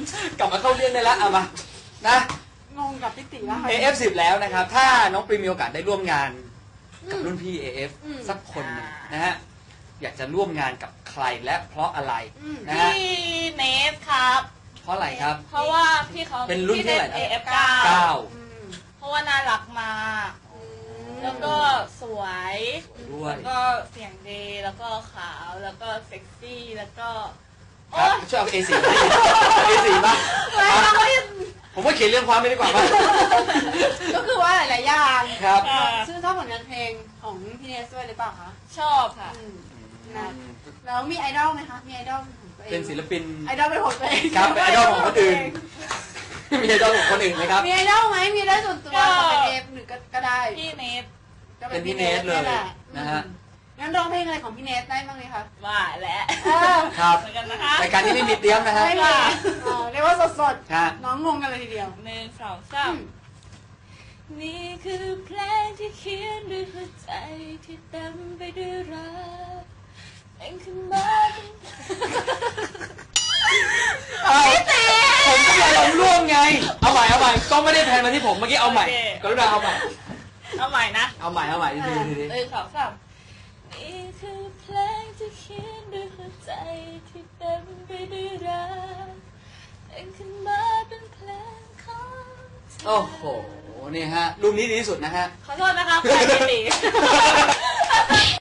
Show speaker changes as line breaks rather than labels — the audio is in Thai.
กลับมาเข้าเรื่องได้แล้วเอามานะ
งงกับพี่ติแล้ว
AF10 แล้วนะครับถ้าน้องปรีมีโอกาสได้ร่วมงานกับรุ่นพี่ AF สักคนหนึ่งนะฮะอยากจะร่วมงานกับใครและเพราะอะไรนะฮะ
พี่เนสครับ
เพราะอะไรครับ
เพราะว่าพี่เขา
เป็นรุ่นที่เท่าไหร่นะ
AF9 เพราะว่าน่ารักมากแล้วก็สวย
ด้วย
แล้วก็เสียงดีแล้วก็ขาวแล้วก็เซ็กซี่แล้วก็
ช่วยเอา A4 A4 บ้างผมว่าเขียนเรื่องความไม่ดีกว่าป่ะ
ก็คือว่าหลายๆอย่าง
ครับ
ชื่อชอบผลงานเพลงของพี่เนสด้วยหรือเปล่าคะ
ชอบค่ะ
แล้วมีไอดอลไหมคะมีไอดอลของตัวเอง
เป็นศิลปิน
ไอดอลเป็นของตัวเอง
ครับไอดอลของคนอื่นมีไอดอลของคนอื่นไหมครับ
มีไอดอลไหมมีไอดอลส่วนตัวเป็นเอฟหรือก็ได้
พี่เนส
เป็นพี่เนสเลยนะฮะ
งั้นร้องเพลงอะไรของพี่เนสได้บ้างไหมคะ
ว่าแล้ว
ครับ
เหมือนกันนะคะ
รายการที่ไม่มีเตรียมนะฮะ
ไม่มีเรียกว่าสดๆน้องงงกันเลยทีเดียว
1 2 3นี่คือเพลงที่เขียนด้วยหัวใจที่เต็มไปด้วยรักเองขึ้นมา
ผมก็อยากลองร่วมไงเอาใหม่ก็ไม่ได้แพนมาที่ผมเมื่อกี้เอาใหม่กรุณาเอาใหม่
เอาใหม่นะ
เอาใหม่ดี
1 2 3นี่คือเพลงที่เขียนด้วยหัวใจที่เต็มไปด้วยรักเองขึ้นมาเป็นเพลงของเธอ
โอ้โหนี่ฮะรูปนี้ดีที่สุดนะฮะ
ขอโทษนะครับใครไม่ดี